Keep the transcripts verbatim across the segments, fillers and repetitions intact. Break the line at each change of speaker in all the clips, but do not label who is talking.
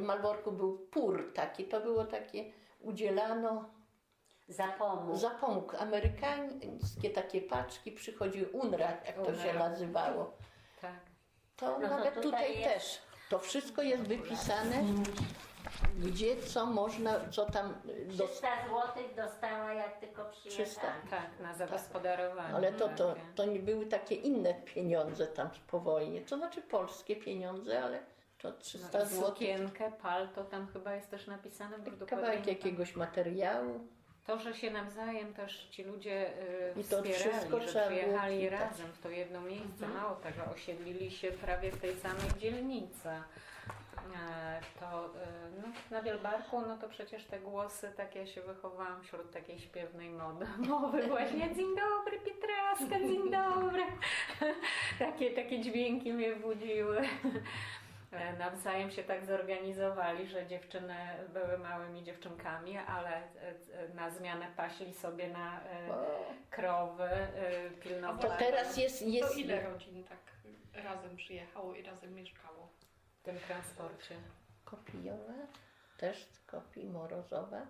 Malborku był pór taki, to było takie, udzielano
Zapomóg.
zapomóg. Amerykańskie takie paczki, przychodziły U N R A, jak to się nazywało.
Tak.
To
No to
nawet
tutaj
tutaj
jest-
też. To wszystko jest wypisane, gdzie co można, co tam do,
trzysta złotych dostała, jak tylko przyjechała.
trzysta.
Tak, na zagospodarowanie.
Ale to, to,
takie.
to nie były takie inne pieniądze tam po wojnie. To znaczy polskie pieniądze, ale to trzysta
No i
złotych.
sukienkę, palto, tam chyba jest też napisane. Bo dokładnie
Kawałek
nie
jakiegoś materiału.
To, że się nawzajem też ci ludzie y,
I to
wspierali,
wszystko
że
trzeba było
przyjechali
czytać.
razem w to jedno miejsce, mało tego, osiedlili się prawie w tej samej dzielnicy. E, to y, no, na Wielbarku, no to przecież te głosy, tak ja się wychowałam wśród takiej śpiewnej mody, mowy właśnie, dzień dobry Pietraska, dzień dobry. takie, takie dźwięki mnie budziły. E, Nawzajem się tak zorganizowali, że dziewczyny były małymi dziewczynkami, ale e, e, na zmianę paśli sobie na e, krowy, e, pilnowali.
To teraz jest,
To
jest
ile rodzin tak razem przyjechało i razem mieszkało?
w tym transporcie.
Kopijowa, też Kopii, Morozowa.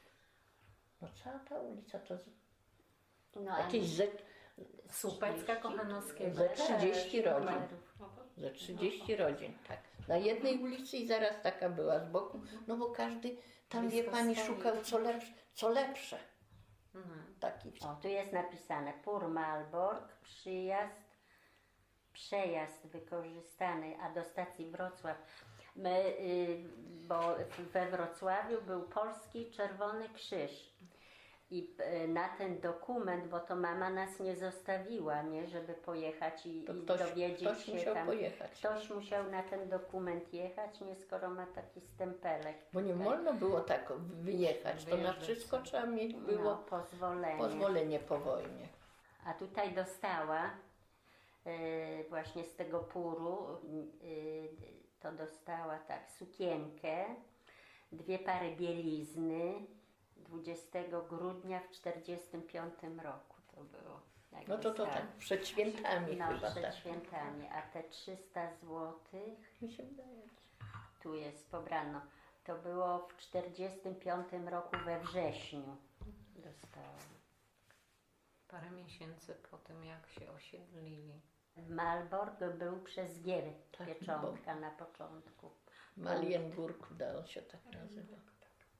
No cała ta ulica to z-
No, a
jakieś ze,
Słupecka Kochanowskiego.
ze trzydzieści rodzin.
numerów.
No to
Ze trzydzieści rodzin, tak. Na jednej ulicy i zaraz taka była z boku. No bo każdy tam, wie
Blisko
pani,
stoi.
szukał co lepsze. Co lepsze. Taki
O, tu jest napisane Pur Malbork, przyjazd, przejazd wykorzystany, a do stacji Wrocław. My, y, bo we Wrocławiu był Polski Czerwony Krzyż. I y, na ten dokument, bo to mama nas nie zostawiła, nie, żeby pojechać i,
To
i
ktoś-
dowiedzieć
ktoś
się
musiał
tam.
pojechać.
Ktoś musiał na ten dokument jechać, nie, skoro ma taki stempelek.
Bo nie wolno było tak wyjechać. To na
Wyjeżdżać
wszystko
sobie.
trzeba mieć
No,
było
pozwolenie.
pozwolenie po wojnie.
A tutaj dostała y, właśnie z tego puru, y, to dostała tak sukienkę, dwie pary bielizny dwudziestego grudnia w czterdziestym piątym roku to było. jak
No to to
dostała.
tak przed świętami
No,
chyba
przed
tak.
świętami, a te trzysta złotych,
Mi się wydaje.
tu jest pobrano, to było w czterdziestym piątym roku we wrześniu dostałam.
Parę miesięcy po tym, jak się osiedlili.
Malbork był przez G
Tak,
pieczątka na początku.
Marienburg, da on się tak nazywa.